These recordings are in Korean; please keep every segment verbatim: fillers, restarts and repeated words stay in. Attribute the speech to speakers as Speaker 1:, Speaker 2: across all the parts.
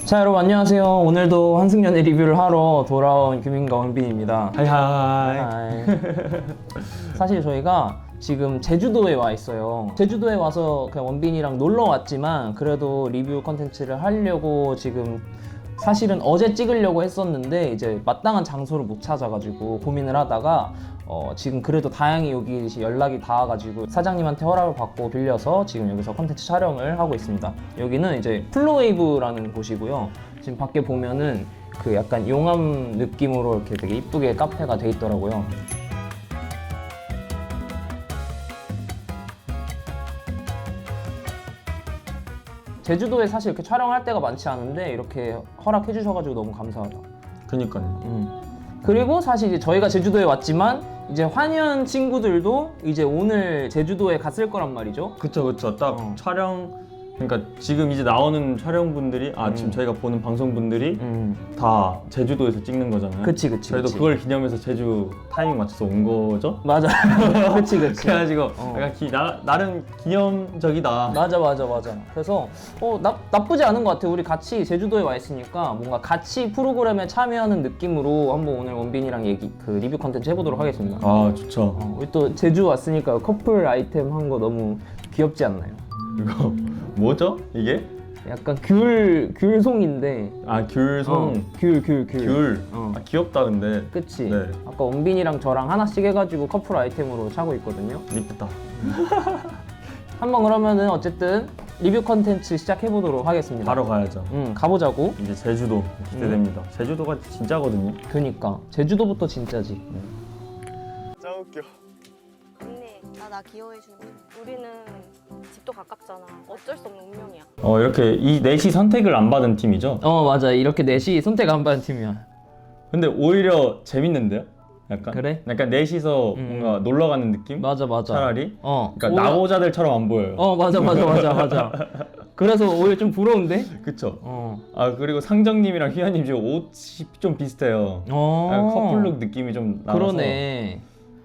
Speaker 1: 자, 여러분 안녕하세요. 오늘도 환승연애 리뷰를 하러 돌아온 규민과 원빈입니다.
Speaker 2: 하이하이.
Speaker 1: 하이. 사실 저희가 지금 제주도에 와 있어요. 제주도에 와서 그냥 원빈이랑 놀러 왔지만 그래도 리뷰 컨텐츠를 하려고 지금 사실은 어제 찍으려고 했었는데 이제 마땅한 장소를 못 찾아가지고 고민을 하다가 어 지금 그래도 다행히 여기 연락이 닿아가지고 사장님한테 허락을 받고 빌려서 지금 여기서 컨텐츠 촬영을 하고 있습니다. 여기는 이제 플로웨이브라는 곳이고요. 지금 밖에 보면은 그 약간 용암 느낌으로 이렇게 되게 이쁘게 카페가 돼 있더라고요. 제주도에 사실 이렇게 촬영할 때가 많지 않은데 이렇게 허락해 주셔가지고 너무 감사하다.
Speaker 2: 그니까요.
Speaker 1: 음. 그리고 사실 이제 저희가 제주도에 왔지만 이제 환현 친구들도 이제 오늘 제주도에 갔을 거란 말이죠.
Speaker 2: 그쵸 그쵸. 딱
Speaker 1: 어.
Speaker 2: 촬영, 그러니까 지금 이제 나오는 촬영분들이 아
Speaker 1: 음.
Speaker 2: 지금 저희가 보는 방송분들이
Speaker 1: 음.
Speaker 2: 다 제주도에서 찍는 거잖아요.
Speaker 1: 그치 그치.
Speaker 2: 저희도
Speaker 1: 그치.
Speaker 2: 그걸 기념해서 제주 타이밍 맞춰서 온 거죠.
Speaker 1: 맞아. 그치 그치.
Speaker 2: 그래가지고
Speaker 1: 어.
Speaker 2: 약간 기, 나, 나름 기념적이다.
Speaker 1: 맞아 맞아 맞아. 그래서 어 나, 나쁘지 않은 것 같아. 우리 같이 제주도에 와 있으니까 뭔가 같이 프로그램에 참여하는 느낌으로 한번 오늘 원빈이랑 얘기 그 리뷰 컨텐츠 해보도록 하겠습니다.
Speaker 2: 아 좋죠.
Speaker 1: 어, 우리 또 제주 왔으니까 커플 아이템 한 거 너무 귀엽지 않나요?
Speaker 2: 이거 뭐죠? 이게?
Speaker 1: 약간 귤 귤송인데.
Speaker 2: 아 귤송.
Speaker 1: 어, 귤 귤 귤.
Speaker 2: 귤.
Speaker 1: 어.
Speaker 2: 아 귀엽다 근데.
Speaker 1: 그치?
Speaker 2: 네.
Speaker 1: 아까 원빈이랑 저랑 하나씩 해가지고 커플 아이템으로 차고 있거든요.
Speaker 2: 이쁘다.
Speaker 1: 한번 그러면은 어쨌든 리뷰 컨텐츠 시작해보도록 하겠습니다.
Speaker 2: 바로 가야죠.
Speaker 1: 응, 가보자고.
Speaker 2: 이제 제주도 기대됩니다.
Speaker 1: 음.
Speaker 2: 제주도가 진짜거든요.
Speaker 1: 그니까 제주도부터 진짜지.
Speaker 3: 짱 웃겨.
Speaker 4: 언니, 나 나 귀여워해주는 거. 우리는 집도 가깝잖아. 어쩔 수 없는 운명이야.
Speaker 2: 어 이렇게 이 넷이 선택을 안 받은 팀이죠?
Speaker 1: 어 맞아, 이렇게 넷이 선택 안 받은 팀이야.
Speaker 2: 근데 오히려 재밌는데요? 약간?
Speaker 1: 그래?
Speaker 2: 약간 넷이서
Speaker 1: 음.
Speaker 2: 뭔가 놀러 가는 느낌?
Speaker 1: 맞아 맞아.
Speaker 2: 차라리?
Speaker 1: 어.
Speaker 2: 그러니까
Speaker 1: 오히려-
Speaker 2: 나고자들처럼 안 보여요.
Speaker 1: 어 맞아 맞아 맞아 맞아. 그래서 오히려 좀 부러운데?
Speaker 2: 그쵸?
Speaker 1: 어.
Speaker 2: 아 그리고 상정님이랑 휘하님 지금 옷이 좀 비슷해요.
Speaker 1: 어.
Speaker 2: 약간 커플룩 느낌이 좀 나와서.
Speaker 1: 그러네.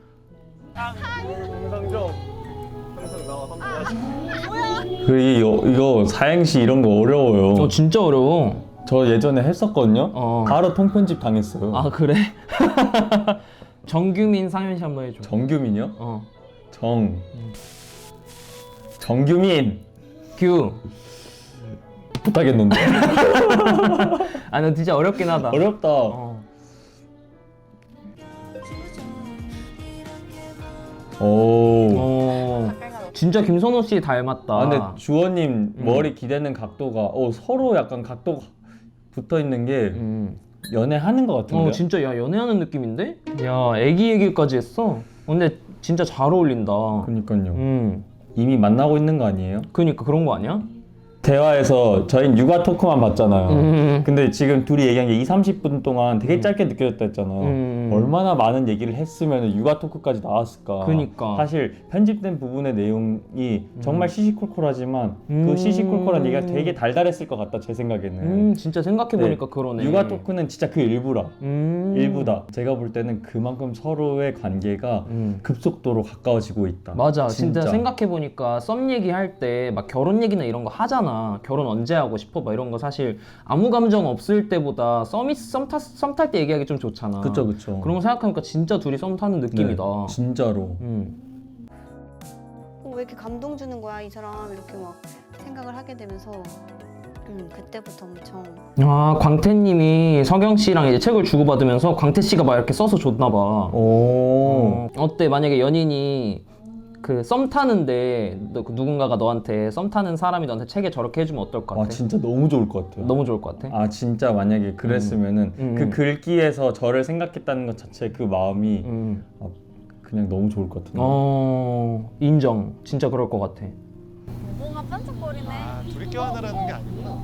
Speaker 3: 영상 좀 항상 나와 한번
Speaker 2: 그리고 이거, 이거 사행시 이런 거 어려워요.
Speaker 1: 어 진짜 어려워.
Speaker 2: 저 예전에 했었거든요?
Speaker 1: 어.
Speaker 2: 바로 통편집 당했어요.
Speaker 1: 아 그래? 정규민 상현씨 한번 해줘.
Speaker 2: 정규민이요?
Speaker 1: 어.
Speaker 2: 정 정규민
Speaker 1: 규.
Speaker 2: 못하겠는데.
Speaker 1: 아, 너 진짜 어렵긴 하다.
Speaker 2: 어렵다.
Speaker 1: 어.
Speaker 2: 오.
Speaker 1: 어.
Speaker 4: 가까이 가서.
Speaker 1: 진짜 김선호 씨 닮았다.
Speaker 2: 아, 근데 주원님
Speaker 1: 음.
Speaker 2: 머리 기대는 각도가 어, 서로 약간 각도가 붙어 있는 게
Speaker 1: 음.
Speaker 2: 연애하는 것 같은데.
Speaker 1: 어 진짜 야 연애하는 느낌인데? 야 애기 얘기까지 했어. 근데 진짜 잘 어울린다.
Speaker 2: 그니까요.
Speaker 1: 음.
Speaker 2: 이미 만나고 있는 거 아니에요?
Speaker 1: 그니까 그런 거 아니야?
Speaker 2: 대화에서 저희는 육아 토크만 봤잖아요.
Speaker 1: 음.
Speaker 2: 근데 지금 둘이 얘기한 게 이삼십 분 동안 되게 짧게 느껴졌다 했잖아요.
Speaker 1: 음.
Speaker 2: 얼마나 많은 얘기를 했으면 육아 토크까지 나왔을까.
Speaker 1: 그니까.
Speaker 2: 사실 편집된 부분의 내용이 정말 시시콜콜하지만
Speaker 1: 음.
Speaker 2: 그 시시콜콜한 얘기가 되게 달달했을 것 같다 제 생각에는.
Speaker 1: 음 진짜 생각해보니까
Speaker 2: 네.
Speaker 1: 그러네.
Speaker 2: 육아 토크는 진짜 그 일부라.
Speaker 1: 음.
Speaker 2: 일부다. 제가 볼 때는 그만큼 서로의 관계가
Speaker 1: 음.
Speaker 2: 급속도로 가까워지고 있다.
Speaker 1: 맞아. 진짜, 생각해보니까 썸 얘기할 때 막 결혼 얘기나 이런 거 하잖아. 결혼 언제 하고 싶어? 막 이런 거 사실 아무 감정 없을 때보다 썸이 썸탈 때 얘기하기 좀 좋잖아.
Speaker 2: 그쵸 그쵸.
Speaker 1: 그런 거 생각하니까 진짜 둘이 썸 타는 느낌이다.
Speaker 2: 네, 진짜로.
Speaker 1: 음.
Speaker 4: 어, 왜 이렇게 감동 주는 거야, 이 사람. 이렇게 막 생각을 하게 되면서. 음, 그때부터 엄청.
Speaker 1: 아 광태님이 서경 씨랑 이제 책을 주고받으면서 광태 씨가 막 이렇게 써서 줬나 봐.
Speaker 2: 오.
Speaker 1: 어, 어때 만약에 연인이 그 썸 타는데 너, 그 누군가가 너한테 썸 타는 사람이 너한테 책에 저렇게 해주면 어떨 것 같아?
Speaker 2: 아 진짜 너무 좋을 것 같아요.
Speaker 1: 너무 좋을 것 같아?
Speaker 2: 아 진짜 만약에 그랬으면은
Speaker 1: 음,
Speaker 2: 그
Speaker 1: 음.
Speaker 2: 글귀에서 저를 생각했다는 것 자체 그 마음이
Speaker 1: 음.
Speaker 2: 아, 그냥 너무 좋을 것 같은데.
Speaker 1: 어 인정. 진짜 그럴 것 같아.
Speaker 4: 뭔가 반짝거리네.
Speaker 3: 아 둘이 껴안으라는 게 아니구나.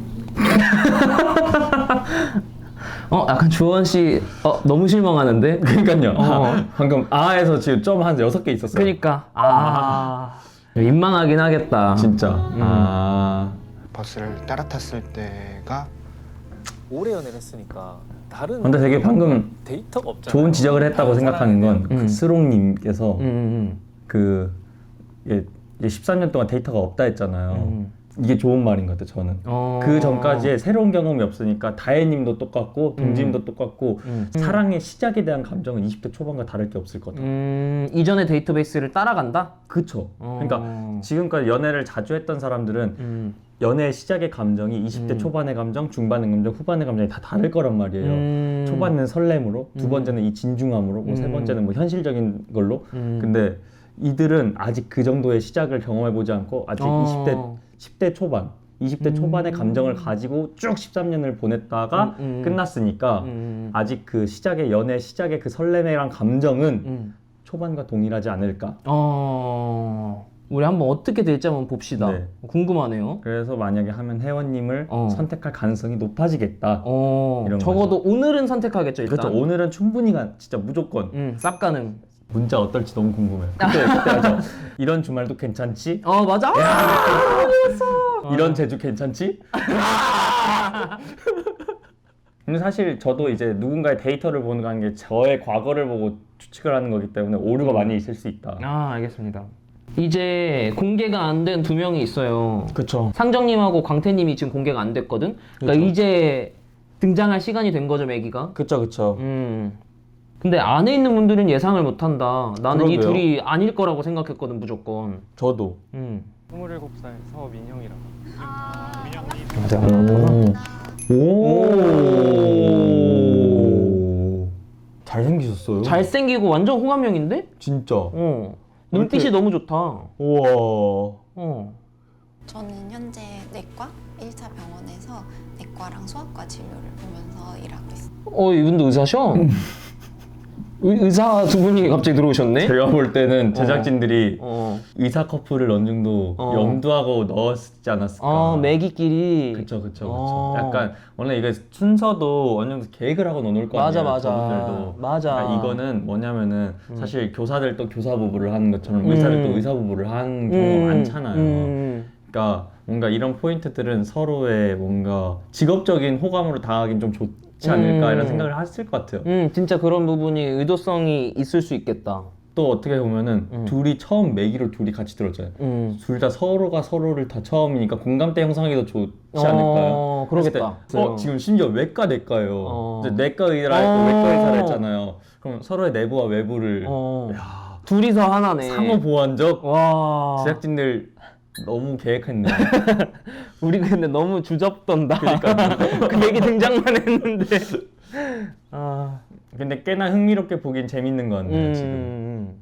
Speaker 1: 어 약간 주원 씨 어, 너무 실망하는데?
Speaker 2: 그러니까요.
Speaker 1: 어.
Speaker 2: 아, 방금 아에서 지금 점 한 여섯 개 있었어요.
Speaker 1: 그니까 아 민망하긴 하겠다.
Speaker 2: 진짜.
Speaker 1: 음.
Speaker 2: 아.
Speaker 3: 버스를 따라탔을 때가
Speaker 5: 오래 연애를 했으니까 다른
Speaker 2: 근데 되게 방금
Speaker 5: 데이터가 없잖아요.
Speaker 2: 좋은 지적을 했다고
Speaker 5: 다른
Speaker 2: 생각하는 건
Speaker 1: 음.
Speaker 2: 그 스롱님께서
Speaker 1: 음, 음,
Speaker 2: 그 예, 이제 십삼 년 동안 데이터가 없다 했잖아요.
Speaker 1: 음.
Speaker 2: 이게 좋은 말인 것 같아요. 저는
Speaker 1: 어...
Speaker 2: 그 전까지의 새로운 경험이 없으니까 다혜님도 똑같고 동진님도 똑같고
Speaker 1: 음.
Speaker 2: 사랑의 시작에 대한 감정은 이십 대 초반과 다를 게 없을 것 같아요.
Speaker 1: 음, 이전의 데이터베이스를 따라간다?
Speaker 2: 그쵸.
Speaker 1: 어...
Speaker 2: 그러니까 지금까지 연애를 자주 했던 사람들은
Speaker 1: 음.
Speaker 2: 연애의 시작의 감정이 이십 대
Speaker 1: 음.
Speaker 2: 초반의 감정, 중반의 감정, 후반의 감정이 다 다를 거란 말이에요.
Speaker 1: 음.
Speaker 2: 초반은 설렘으로, 두
Speaker 1: 음.
Speaker 2: 번째는 이 진중함으로, 뭐 세
Speaker 1: 음.
Speaker 2: 번째는 뭐 현실적인 걸로.
Speaker 1: 음.
Speaker 2: 근데 이들은 아직 그 정도의 시작을 경험해보지 않고 아직
Speaker 1: 어.
Speaker 2: 이십 대, 십 대 초반, 이십 대
Speaker 1: 음.
Speaker 2: 초반의 감정을 가지고 쭉 십삼 년을 보냈다가
Speaker 1: 음, 음.
Speaker 2: 끝났으니까
Speaker 1: 음.
Speaker 2: 아직 그 시작의 연애 시작의 그 설렘이란 감정은
Speaker 1: 음.
Speaker 2: 초반과 동일하지 않을까.
Speaker 1: 어... 우리 한번 어떻게 될지 한번 봅시다.
Speaker 2: 네.
Speaker 1: 궁금하네요.
Speaker 2: 그래서 만약에 하면 혜원님을
Speaker 1: 어.
Speaker 2: 선택할 가능성이 높아지겠다.
Speaker 1: 어...
Speaker 2: 이런
Speaker 1: 적어도 오늘은 선택하겠죠, 일단.
Speaker 2: 그렇죠. 오늘은 충분히 가, 진짜 무조건
Speaker 1: 음, 쌉 가능.
Speaker 2: 문자 어떨지 너무 궁금해요. 그때 그때 하죠. 이런 주말도 괜찮지?
Speaker 1: 어, 맞아?
Speaker 2: 이런 제주 괜찮지? 근데 사실 저도 이제 누군가의 데이터를 보는 거는 게 저의 과거를 보고 추측을 하는 거기 때문에 오류가 많이 있을 수 있다.
Speaker 1: 아, 알겠습니다. 이제 공개가 안 된 두 명이 있어요.
Speaker 2: 그렇죠.
Speaker 1: 상정님하고 광태님이 지금 공개가 안 됐거든? 그러니까
Speaker 2: 그쵸.
Speaker 1: 이제 등장할 시간이 된 거죠, 매기가?
Speaker 2: 그렇죠, 그렇죠.
Speaker 1: 음. 근데 안에 있는 분들은 예상을 못 한다. 나는 이
Speaker 2: 그러게요.
Speaker 1: 둘이 아닐 거라고 생각했거든, 무조건.
Speaker 2: 저도.
Speaker 1: 음.
Speaker 3: 스물일곱 살 서민형이라고.
Speaker 2: 오. 오. 잘생기셨어요.
Speaker 1: 잘생기고 완전 호감형인데?
Speaker 2: 진짜.
Speaker 1: 어. 눈빛이
Speaker 2: 이렇게-
Speaker 1: 너무 좋다.
Speaker 2: 우와.
Speaker 1: 어.
Speaker 6: 저는 현재 내과 일 차 병원에서 내과랑 소아과 진료를 보면서 일하고 있어요.
Speaker 1: 어, 이분도 의사셔? 의, 의사 두 분이 갑자기 들어오셨네?
Speaker 2: 제가 볼 때는 제작진들이
Speaker 1: 어.
Speaker 2: 의사 커플을 어느 정도
Speaker 1: 어.
Speaker 2: 염두하고 넣었지 않았을까.
Speaker 1: 어, 매기끼리.
Speaker 2: 그쵸 그쵸 그쵸.
Speaker 1: 어.
Speaker 2: 약간 원래 이게 순서도 어느 정도 계획을 하고 넣어놓을 거
Speaker 1: 맞아,
Speaker 2: 아니에요.
Speaker 1: 맞아.
Speaker 2: 저분들도.
Speaker 1: 맞아.
Speaker 2: 그러니까 이거는 뭐냐면은
Speaker 1: 음.
Speaker 2: 사실 교사들도 교사 부부를 하는 것처럼 의사들도
Speaker 1: 음.
Speaker 2: 의사 부부를 하는 경우가 많잖아요.
Speaker 1: 음.
Speaker 2: 그러니까 뭔가 이런 포인트들은 서로의 뭔가 직업적인 호감으로 다가가긴 좀 좋지 않을까
Speaker 1: 음.
Speaker 2: 이런 생각을 했을 것 같아요.
Speaker 1: 음, 진짜 그런 부분이 의도성이 있을 수 있겠다.
Speaker 2: 또 어떻게 보면은
Speaker 1: 음.
Speaker 2: 둘이 처음 매기로 둘이 같이 들었잖아요.
Speaker 1: 음.
Speaker 2: 둘 다 서로가 서로를 다 처음이니까 공감대 형성하기 더 좋지 않을까요?
Speaker 1: 어, 그러겠다.
Speaker 2: 했을 때, 어, 지금 심지어 외과 내과예요.
Speaker 1: 어.
Speaker 2: 이제 내과 의사라 했고
Speaker 1: 어.
Speaker 2: 외과 의사라 했잖아요. 그럼 서로의 내부와 외부를
Speaker 1: 어.
Speaker 2: 야,
Speaker 1: 둘이서 하나네.
Speaker 2: 상호 보완적
Speaker 1: 와.
Speaker 2: 제작진들 너무 계획했네.
Speaker 1: 우리 근데 너무 주접던다. 그 얘기 등장만 했는데. 아.
Speaker 2: 근데 꽤나 흥미롭게 보긴 재밌는 것 같네요.
Speaker 1: 음.
Speaker 2: 지금.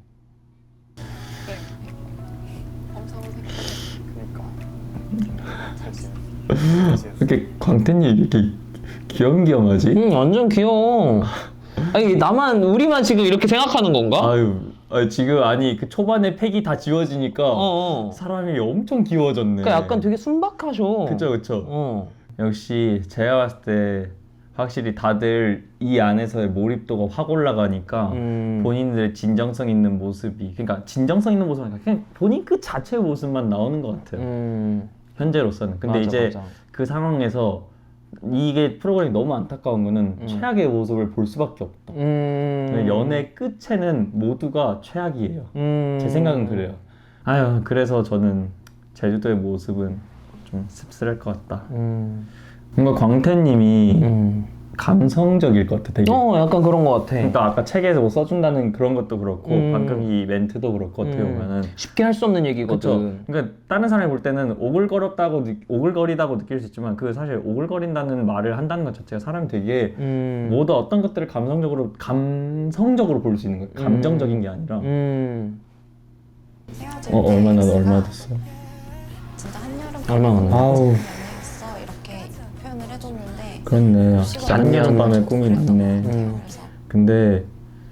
Speaker 6: 엄청 생각해.
Speaker 3: 그러니까. 잘 지내. 잘 지냈어.
Speaker 2: 이렇게 광태님 이렇게 귀염귀염하지?
Speaker 1: 음, 완전 귀여워. 아니, 나만, 우리만 지금 이렇게 생각하는 건가?
Speaker 2: 아유, 아니, 지금 아니 그 초반에 팩이 다 지워지니까
Speaker 1: 어, 어.
Speaker 2: 사람이 엄청 귀여워졌네.
Speaker 1: 그러니까 약간 되게 순박하셔.
Speaker 2: 그쵸 그쵸.
Speaker 1: 어.
Speaker 2: 역시 제가 봤을 때 확실히 다들 이 안에서의 몰입도가 확 올라가니까
Speaker 1: 음.
Speaker 2: 본인들의 진정성 있는 모습이, 그러니까 진정성 있는 모습은 아니라 그냥 본인 그 자체의 모습만 나오는 것 같아요.
Speaker 1: 음.
Speaker 2: 현재로서는. 근데
Speaker 1: 맞아,
Speaker 2: 이제
Speaker 1: 맞아.
Speaker 2: 그 상황에서 이게 프로그램이 너무 안타까운 거는
Speaker 1: 음.
Speaker 2: 최악의 모습을 볼 수밖에 없다.
Speaker 1: 음.
Speaker 2: 연애 끝에는 모두가 최악이에요.
Speaker 1: 음.
Speaker 2: 제 생각은 그래요. 아유, 그래서 저는 제주도의 모습은 좀 씁쓸할 것 같다.
Speaker 1: 음.
Speaker 2: 뭔가 광태님이
Speaker 1: 음.
Speaker 2: 감성적일 것 같아, 되게.
Speaker 1: 어, 약간 그런 것 같아.
Speaker 2: 그러니까 아까 책에서 뭐 써준다는 그런 것도 그렇고
Speaker 1: 음.
Speaker 2: 방금 이 멘트도 그렇고 어떻게
Speaker 1: 음.
Speaker 2: 보면은
Speaker 1: 쉽게 할 수 없는
Speaker 2: 그렇죠.
Speaker 1: 얘기거든.
Speaker 2: 그러니까 다른 사람이 볼 때는 오글거렸다고 느- 오글거리다고 느낄 수 있지만 그 사실 오글거린다는 말을 한다는 것 자체가 사람이 되게
Speaker 1: 음.
Speaker 2: 모두 어떤 것들을 감성적으로 감성적으로 볼 수 있는 거예요. 감정적인 게 아니라.
Speaker 1: 음.
Speaker 6: 헤어질
Speaker 2: 어
Speaker 6: 때
Speaker 2: 얼마나
Speaker 6: 엑스가
Speaker 2: 얼마 됐어?
Speaker 6: 진짜 한여름
Speaker 1: 얼마 안 돼?
Speaker 2: 아우.
Speaker 6: 연애했어 이렇게 표현을 해줬는데
Speaker 2: 그렇네. 짠여름 밤의 꿈이 났네.
Speaker 1: 음.
Speaker 6: 그래서
Speaker 2: 근데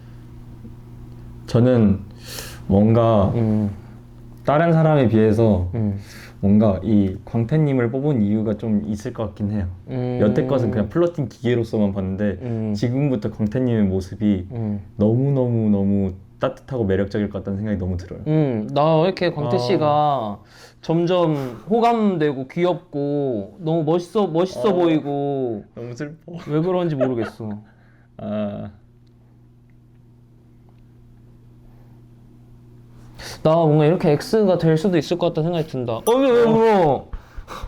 Speaker 2: 저는 뭔가
Speaker 1: 음.
Speaker 2: 다른 사람에 비해서
Speaker 1: 음.
Speaker 2: 뭔가 이 광태님을 뽑은 이유가 좀 있을 것 같긴 해요.
Speaker 1: 음.
Speaker 2: 여태껏은 그냥 플러팅 기계로서만 봤는데
Speaker 1: 음.
Speaker 2: 지금부터 광태님의 모습이
Speaker 1: 음.
Speaker 2: 너무너무너무 따뜻하고 매력적일 것 같다는 생각이 너무 들어요.
Speaker 1: 음, 나 왜 이렇게 광태
Speaker 2: 아.
Speaker 1: 씨가 점점 호감되고 귀엽고 너무 멋있어 멋있어
Speaker 2: 어.
Speaker 1: 보이고
Speaker 2: 너무 슬퍼.
Speaker 1: 왜 그런지 모르겠어.
Speaker 2: 아,
Speaker 1: 나 뭔가 이렇게 X가 될 수도 있을 것 같다는 생각이 든다. 어, 왜, 왜 울어?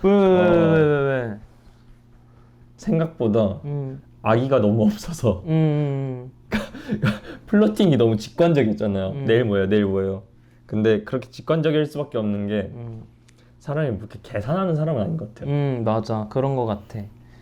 Speaker 1: 왜 왜 왜 왜 왜 왜?
Speaker 2: 생각보다
Speaker 1: 음.
Speaker 2: 아기가 너무 없어서
Speaker 1: 음.
Speaker 2: 플러팅이 너무 직관적이었잖아요.
Speaker 1: 음.
Speaker 2: 내일 뭐예요? 내일 뭐예요? 근데 그렇게 직관적일 수밖에 없는 게
Speaker 1: 음.
Speaker 2: 사람이 그렇게 계산하는 사람은 아닌 것 같아요.
Speaker 1: 음, 맞아. 그런 거 같아.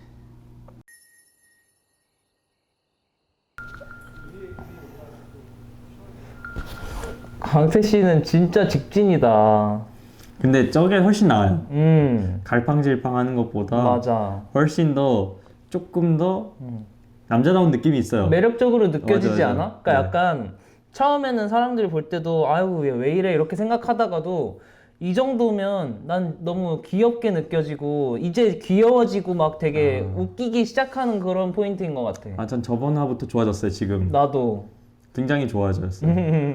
Speaker 1: 강태 씨는 진짜 직진이다.
Speaker 2: 근데 저게 훨씬 나아요.
Speaker 1: 음,
Speaker 2: 갈팡질팡하는 것보다
Speaker 1: 맞아.
Speaker 2: 훨씬 더 조금 더
Speaker 1: 음.
Speaker 2: 남자다운 느낌이 있어요.
Speaker 1: 매력적으로 느껴지지
Speaker 2: 맞아, 맞아.
Speaker 1: 않아? 그러니까
Speaker 2: 네.
Speaker 1: 약간 처음에는 사람들이 볼 때도 아유 얘 왜 이래 이렇게 생각하다가도 이 정도면 난 너무 귀엽게 느껴지고 이제 귀여워지고 막 되게
Speaker 2: 아.
Speaker 1: 웃기기 시작하는 그런 포인트인 것 같아.
Speaker 2: 아, 전 저번 화부터 좋아졌어요. 지금
Speaker 1: 나도.
Speaker 2: 굉장히 좋아졌어요.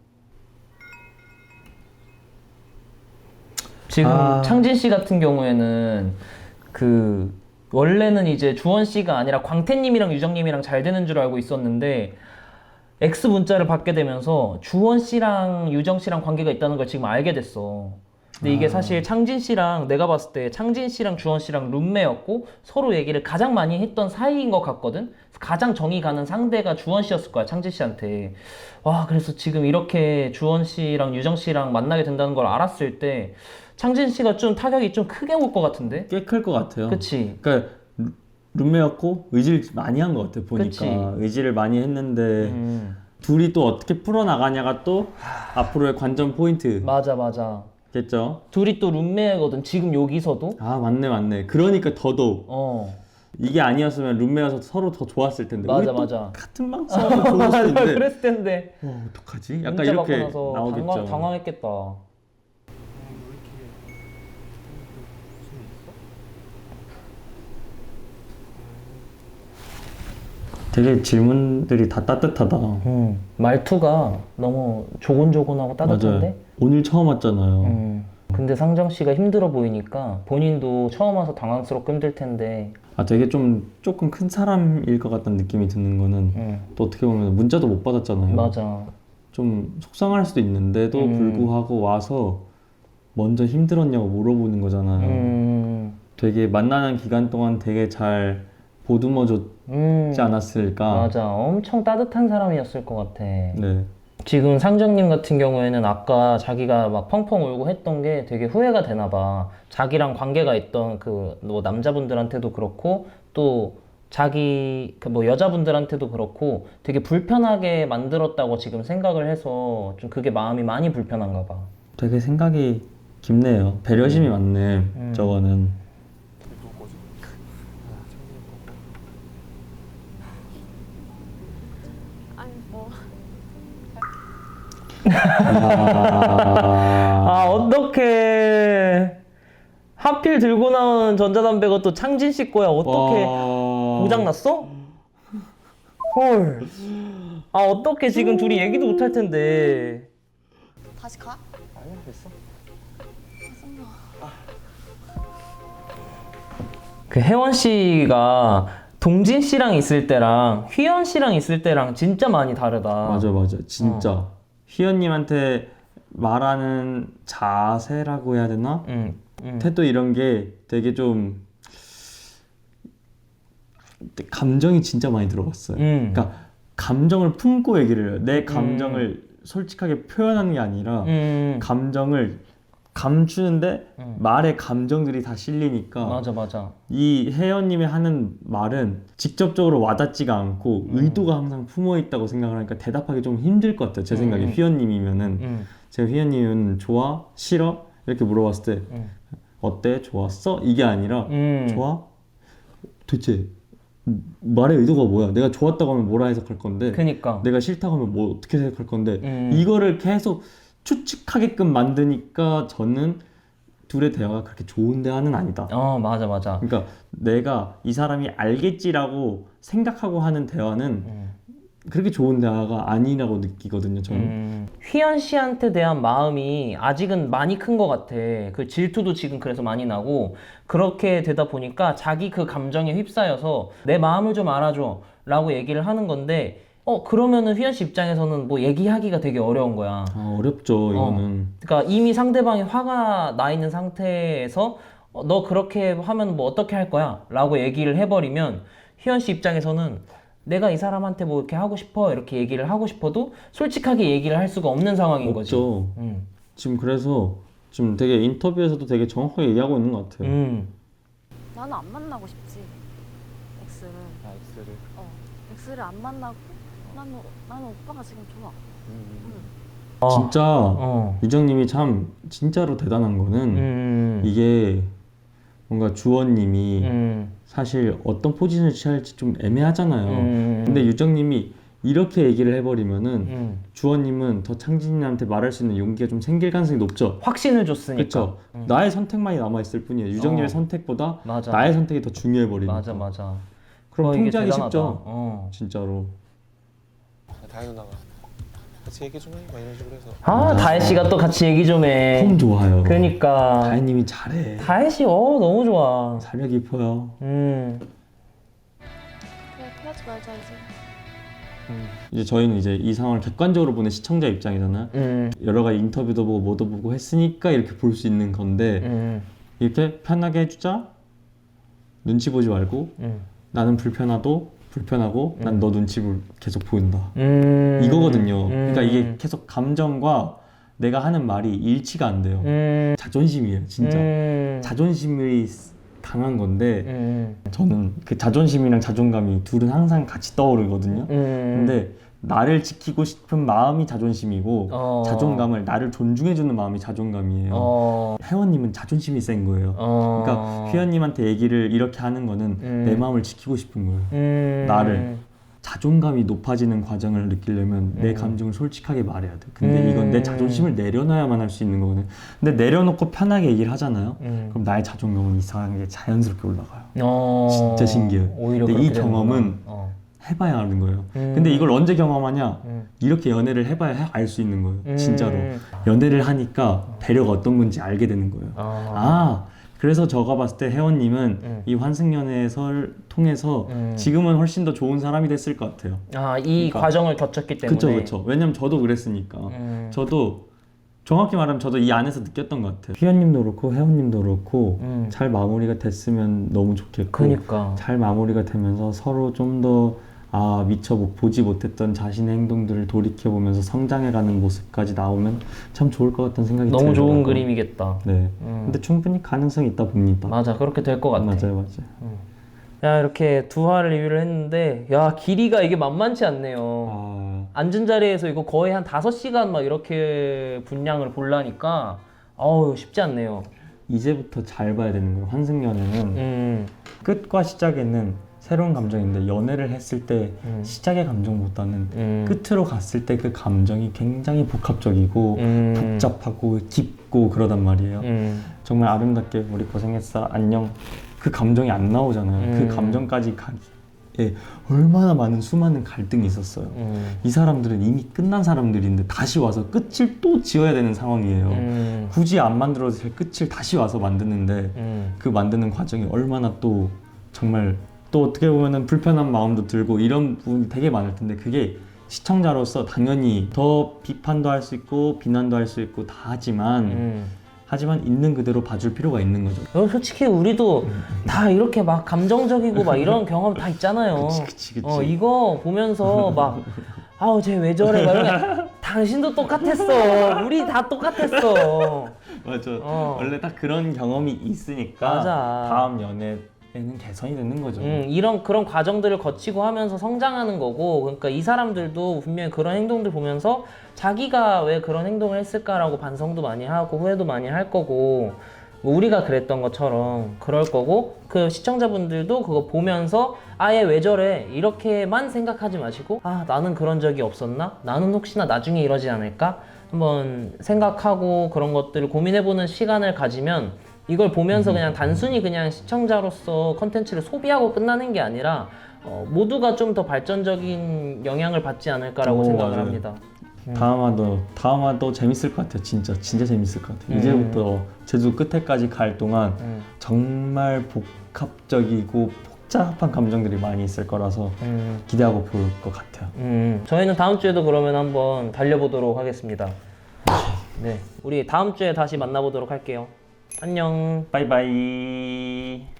Speaker 1: 지금
Speaker 2: 아.
Speaker 1: 창진 씨 같은 경우에는 그 원래는 이제 주원 씨가 아니라 광태님이랑 유정님이랑 잘 되는 줄 알고 있었는데 X 문자를 받게 되면서 주원 씨랑 유정 씨랑 관계가 있다는 걸 지금 알게 됐어. 근데 이게
Speaker 2: 아.
Speaker 1: 사실 창진 씨랑 내가 봤을 때 창진 씨랑 주원 씨랑 룸메였고 서로 얘기를 가장 많이 했던 사이인 것 같거든. 가장 정이 가는 상대가 주원 씨였을 거야, 창진 씨한테. 와, 그래서 지금 이렇게 주원 씨랑 유정 씨랑 만나게 된다는 걸 알았을 때 창진 씨가 좀 타격이 좀 크게 올 것 같은데?
Speaker 2: 꽤 클 것 같아요.
Speaker 1: 그치?
Speaker 2: 그러니까 루- 룸메였고 의지를 많이 한 것 같아요. 보니까
Speaker 1: 그치.
Speaker 2: 의지를 많이 했는데
Speaker 1: 음,
Speaker 2: 둘이 또 어떻게 풀어 나가냐가 또 앞으로의 관전 포인트겠죠.
Speaker 1: 맞아, 맞아. 둘이 또 룸메거든, 지금 여기서도.
Speaker 2: 아, 맞네, 맞네. 그러니까 더더욱
Speaker 1: 어,
Speaker 2: 이게 아니었으면 룸메여서 서로 더 좋았을 텐데.
Speaker 1: 맞아,
Speaker 2: 우리 또
Speaker 1: 맞아.
Speaker 2: 같은 방 싸워서 좋을 수도 있는데.
Speaker 1: 그랬을 텐데.
Speaker 2: 어, 어떡하지? 약간
Speaker 1: 문자
Speaker 2: 이렇게
Speaker 1: 받고 나서
Speaker 2: 나오겠죠.
Speaker 1: 당황, 당황했겠다.
Speaker 2: 되게 질문들이 다 따뜻하다.
Speaker 1: 음, 말투가 너무 조곤조곤하고 따뜻한데?
Speaker 2: 맞아요. 오늘 처음 왔잖아요.
Speaker 1: 음, 근데 상정 씨가 힘들어 보이니까 본인도 처음 와서 당황스럽고 힘들 텐데.
Speaker 2: 아, 되게 좀 조금 큰 사람일 것 같다는 느낌이 드는 거는
Speaker 1: 음,
Speaker 2: 또 어떻게 보면 문자도 못 받았잖아요.
Speaker 1: 맞아.
Speaker 2: 좀 속상할 수도 있는데도
Speaker 1: 음.
Speaker 2: 불구하고 와서 먼저 힘들었냐고 물어보는 거잖아요.
Speaker 1: 음,
Speaker 2: 되게 만나는 기간 동안 되게 잘 보듬어 줬지
Speaker 1: 음,
Speaker 2: 않았을까.
Speaker 1: 맞아. 엄청 따뜻한 사람이었을 것 같아.
Speaker 2: 네.
Speaker 1: 지금 상정님 같은 경우에는 아까 자기가 막 펑펑 울고 했던 게 되게 후회가 되나 봐. 자기랑 관계가 있던 그 뭐 남자분들한테도 그렇고 또 자기 그 뭐 여자분들한테도 그렇고 되게 불편하게 만들었다고 지금 생각을 해서 좀 그게 마음이 많이 불편한가 봐.
Speaker 2: 되게 생각이 깊네요. 배려심이 많네.
Speaker 1: 음.
Speaker 2: 저거는.
Speaker 4: 아니 뭐
Speaker 2: 아,
Speaker 1: 아, 어떡해. 하필 들고 나온 전자담배가 또 창진 씨 거야. 어떡해.
Speaker 2: 와.
Speaker 1: 고장났어? 헐. 아, 어떡해. 지금 둘이 얘기도 못 할 텐데.
Speaker 6: 다시 가?
Speaker 5: 아니야 됐어.
Speaker 1: 그 혜원 씨가 동진 씨랑 있을 때랑 휘연 씨랑 있을 때랑 진짜 많이 다르다.
Speaker 2: 맞아, 맞아. 진짜.
Speaker 1: 어.
Speaker 2: 희연님한테 말하는 자세라고 해야 되나?
Speaker 1: 응, 응.
Speaker 2: 태도 이런 게 되게 좀 감정이 진짜 많이 들어갔어요.
Speaker 1: 응.
Speaker 2: 그러니까 감정을 품고 얘기를 해요.
Speaker 1: 음.
Speaker 2: 내 감정을 솔직하게 표현하는 게 아니라
Speaker 1: 응.
Speaker 2: 감정을 감추는데
Speaker 1: 음.
Speaker 2: 말에 감정들이 다 실리니까
Speaker 1: 맞아, 맞아.
Speaker 2: 이 혜연님이 하는 말은 직접적으로 와닿지가 않고
Speaker 1: 음.
Speaker 2: 의도가 항상 품어 있다고 생각을 하니까 대답하기 좀 힘들 것 같아요. 제 생각에
Speaker 1: 음.
Speaker 2: 휘연님이면은
Speaker 1: 응,
Speaker 2: 제가 휘연님은 좋아? 싫어? 이렇게 물어봤을 때
Speaker 1: 응.
Speaker 2: 어때? 좋았어? 이게 아니라
Speaker 1: 응.
Speaker 2: 좋아? 도대체 말의 의도가 뭐야? 내가 좋았다고 하면 뭐라 해석할 건데
Speaker 1: 그니까.
Speaker 2: 내가 싫다고 하면 뭐 어떻게 생각할 건데
Speaker 1: 음.
Speaker 2: 이거를 계속 추측하게끔 만드니까 저는 둘의 대화가 그렇게 좋은 대화는 아니다.
Speaker 1: 어, 맞아, 맞아.
Speaker 2: 그러니까 내가 이 사람이 알겠지라고 생각하고 하는 대화는
Speaker 1: 음.
Speaker 2: 그렇게 좋은 대화가 아니라고 느끼거든요. 저는.
Speaker 1: 음. 휘연 씨한테 대한 마음이 아직은 많이 큰 것 같아. 그 질투도 지금 그래서 많이 나고 그렇게 되다 보니까 자기 그 감정에 휩싸여서 내 마음을 좀 알아줘 라고 얘기를 하는 건데 어 그러면은 휘연 씨 입장에서는 뭐 얘기하기가 되게 어려운 거야.
Speaker 2: 아, 어렵죠. 이거는.
Speaker 1: 그러니까 이미 상대방이 화가 나 있는 상태에서 어, 너 그렇게 하면 뭐 어떻게 할 거야? 라고 얘기를 해버리면 희연 씨 입장에서는 내가 이 사람한테 뭐 이렇게 하고 싶어 이렇게 얘기를 하고 싶어도 솔직하게 얘기를 할 수가 없는 상황인 거지.
Speaker 2: 없죠.
Speaker 1: 음.
Speaker 2: 지금 그래서 지금 되게 인터뷰에서도 되게 정확하게 얘기하고 있는 것 같아요.
Speaker 1: 음.
Speaker 7: 나는 안 만나고 싶지. X를.
Speaker 3: 아, X를.
Speaker 7: 어. X를 안 만나고 나는 나는 오빠가 지금 좋아.
Speaker 1: 어.
Speaker 2: 진짜
Speaker 1: 어.
Speaker 2: 유정님이 참 진짜로 대단한 거는
Speaker 1: 음.
Speaker 2: 이게 뭔가 주원님이
Speaker 1: 음.
Speaker 2: 사실 어떤 포지션을 취할지 좀 애매하잖아요.
Speaker 1: 음.
Speaker 2: 근데 유정님이 이렇게 얘기를 해버리면은
Speaker 1: 음.
Speaker 2: 주원님은 더 창진이한테 말할 수 있는 용기가 좀 생길 가능성이 높죠.
Speaker 1: 확신을 줬으니까.
Speaker 2: 그렇죠.
Speaker 1: 음.
Speaker 2: 나의 선택만이 남아 있을 뿐이에요. 유정님의
Speaker 1: 어.
Speaker 2: 선택보다
Speaker 1: 맞아.
Speaker 2: 나의 선택이 더 중요해 버리니까.
Speaker 1: 맞아 맞아.
Speaker 2: 그럼
Speaker 1: 어, 이게
Speaker 2: 통제하기
Speaker 1: 대단하다.
Speaker 2: 쉽죠.
Speaker 1: 어.
Speaker 2: 진짜로.
Speaker 5: 다혜 누나가 같이 얘기 좀 해. 막 이런 식으로 해서.
Speaker 1: 아 다혜 씨가 또 같이 얘기 좀 해.
Speaker 2: 폼 좋아요.
Speaker 1: 그러니까.
Speaker 2: 다혜님이 잘해.
Speaker 1: 다혜 씨, 어 너무 좋아.
Speaker 2: 살력 깊어요.
Speaker 1: 음.
Speaker 7: 그래 그러지 말자 이제.
Speaker 2: 이제 저희는 이제 이 상황을 객관적으로 보는 시청자 입장이잖아요.
Speaker 1: 음.
Speaker 2: 여러 가지 인터뷰도 보고 뭐도 보고 했으니까 이렇게 볼 수 있는 건데
Speaker 1: 음.
Speaker 2: 이렇게 편하게 해주자. 눈치 보지 말고
Speaker 1: 음.
Speaker 2: 나는 불편하도 불편하고
Speaker 1: 음.
Speaker 2: 난 너 눈치 볼 계속 보인다.
Speaker 1: 음.
Speaker 2: 이거거든요.
Speaker 1: 음.
Speaker 2: 그러니까 이게 계속 감정과 내가 하는 말이 일치가 안 돼요.
Speaker 1: 음.
Speaker 2: 자존심이에요, 진짜.
Speaker 1: 음.
Speaker 2: 자존심이 강한 건데
Speaker 1: 음.
Speaker 2: 저는 그 자존심이랑 자존감이 둘은 항상 같이 떠오르거든요.
Speaker 1: 음.
Speaker 2: 근데 나를 지키고 싶은 마음이 자존심이고
Speaker 1: 어.
Speaker 2: 자존감을 나를 존중해주는 마음이 자존감이에요.
Speaker 1: 어.
Speaker 2: 혜원님은 자존심이 센 거예요.
Speaker 1: 어.
Speaker 2: 그러니까 휘연님한테 얘기를 이렇게 하는 거는
Speaker 1: 음.
Speaker 2: 내 마음을 지키고 싶은 거예요.
Speaker 1: 음.
Speaker 2: 나를. 자존감이 높아지는 과정을 느끼려면 내
Speaker 1: 음.
Speaker 2: 감정을 솔직하게 말해야 돼. 근데
Speaker 1: 음.
Speaker 2: 이건 내 자존심을 내려놔야만 할 수 있는 거거든. 근데 내려놓고 편하게 얘기를 하잖아요.
Speaker 1: 음.
Speaker 2: 그럼 나의 자존감은 이상하게 자연스럽게 올라가요.
Speaker 1: 어.
Speaker 2: 진짜 신기해요.
Speaker 1: 오히려
Speaker 2: 근데 이
Speaker 1: 그렇게
Speaker 2: 경험은
Speaker 1: 되는구나. 어.
Speaker 2: 해봐야 아는 거예요.
Speaker 1: 음.
Speaker 2: 근데 이걸 언제 경험하냐?
Speaker 1: 음.
Speaker 2: 이렇게 연애를 해봐야 알 수 있는 거예요.
Speaker 1: 음.
Speaker 2: 진짜로. 연애를 하니까 배려가 어떤 건지 알게 되는 거예요.
Speaker 1: 어.
Speaker 2: 아, 그래서 제가 봤을 때 혜원님은
Speaker 1: 음.
Speaker 2: 이 환승연애설 통해서
Speaker 1: 음.
Speaker 2: 지금은 훨씬 더 좋은 사람이 됐을 것 같아요.
Speaker 1: 아, 이
Speaker 2: 그러니까.
Speaker 1: 과정을 겪었기 때문에.
Speaker 2: 그쵸, 그쵸. 왜냐면 저도 그랬으니까.
Speaker 1: 음.
Speaker 2: 저도 정확히 말하면 저도 이 안에서 느꼈던 것 같아요. 휘연님도 그렇고 혜원님도 그렇고
Speaker 1: 음.
Speaker 2: 잘 마무리가 됐으면 너무 좋겠고
Speaker 1: 그니까.
Speaker 2: 잘 마무리가 되면서 서로 좀 더 아 미처 못- 보지 못했던 자신의 행동들을 돌이켜보면서 성장해가는 모습까지 나오면 참 좋을 것 같다는 생각이
Speaker 1: 너무 좋은
Speaker 2: 들더라고요.
Speaker 1: 그림이겠다.
Speaker 2: 네.
Speaker 1: 음.
Speaker 2: 근데 충분히 가능성이 있다 봅니다.
Speaker 1: 맞아, 그렇게 될 것 같아.
Speaker 2: 맞아요, 맞아요.
Speaker 1: 야, 이렇게 두 화를 리뷰를 했는데, 야, 길이가 이게 만만치 않네요.
Speaker 2: 아,
Speaker 1: 앉은 자리에서 이거 거의 한 다섯 시간 막 이렇게 분량을 보려니까, 어우, 쉽지 않네요.
Speaker 2: 이제부터 잘 봐야 되는 거예요. 환승연애는
Speaker 1: 음.
Speaker 2: 끝과 시작에는 새로운 감정인데 연애를 했을 때
Speaker 1: 음.
Speaker 2: 시작의 감정보다는
Speaker 1: 음.
Speaker 2: 끝으로 갔을 때 그 감정이 굉장히 복합적이고
Speaker 1: 음.
Speaker 2: 복잡하고 깊고 그러단 말이에요.
Speaker 1: 음.
Speaker 2: 정말 아름답게 우리 고생했어 안녕 그 감정이 안 나오잖아요.
Speaker 1: 음.
Speaker 2: 그 감정까지 가기에 얼마나 많은 수많은 갈등이 있었어요.
Speaker 1: 음.
Speaker 2: 이 사람들은 이미 끝난 사람들인데 다시 와서 끝을 또 지어야 되는 상황이에요.
Speaker 1: 음.
Speaker 2: 굳이 안 만들어도 될 끝을 다시 와서 만드는데
Speaker 1: 음.
Speaker 2: 그 만드는 과정이 얼마나 또 정말 또 어떻게 보면은 불편한 마음도 들고 이런 부분이 되게 많을 텐데 그게 시청자로서 당연히 더 비판도 할 수 있고 비난도 할 수 있고 다 하지만
Speaker 1: 음.
Speaker 2: 하지만 있는 그대로 봐줄 필요가 있는 거죠.
Speaker 1: 어, 솔직히 우리도 다 이렇게 막 감정적이고 막 이런 경험 다 있잖아요.
Speaker 2: 그치 그치 그치.
Speaker 1: 어, 이거 보면서 막 아우 쟤 왜 저래 막 이러면 당신도 똑같았어. 우리 다 똑같았어.
Speaker 2: 맞아.
Speaker 1: 어.
Speaker 2: 원래 딱 그런 경험이 있으니까
Speaker 1: 맞아.
Speaker 2: 다음 연애에는 개선이 되는 거죠.
Speaker 1: 음, 이런 그런 과정들을 거치고 하면서 성장하는 거고, 그러니까 이 사람들도 분명히 그런 행동들 보면서 자기가 왜 그런 행동을 했을까라고 반성도 많이 하고 후회도 많이 할 거고, 뭐 우리가 그랬던 것처럼 그럴 거고, 그 시청자분들도 그거 보면서 아예 왜 저래 이렇게만 생각하지 마시고, 아 나는 그런 적이 없었나? 나는 혹시나 나중에 이러지 않을까? 한번 생각하고 그런 것들을 고민해보는 시간을 가지면 이걸 보면서 그냥 단순히 그냥 시청자로서 컨텐츠를 소비하고 끝나는 게 아니라 어, 모두가 좀 더 발전적인 영향을 받지 않을까라고
Speaker 2: 오,
Speaker 1: 생각을
Speaker 2: 맞아요.
Speaker 1: 합니다.
Speaker 2: 다음화도 다음화도 재밌을 것 같아요. 진짜 진짜 재밌을 것 같아요.
Speaker 1: 음.
Speaker 2: 이제부터 제주 끝에까지 갈 동안
Speaker 1: 음.
Speaker 2: 정말 복합적이고 복잡한 감정들이 많이 있을 거라서
Speaker 1: 음,
Speaker 2: 기대하고 볼 것 같아요.
Speaker 1: 음. 저희는 다음 주에도 그러면 한번 달려보도록 하겠습니다. 네, 우리 다음 주에 다시 만나보도록 할게요. 안녕.
Speaker 2: 바이바이.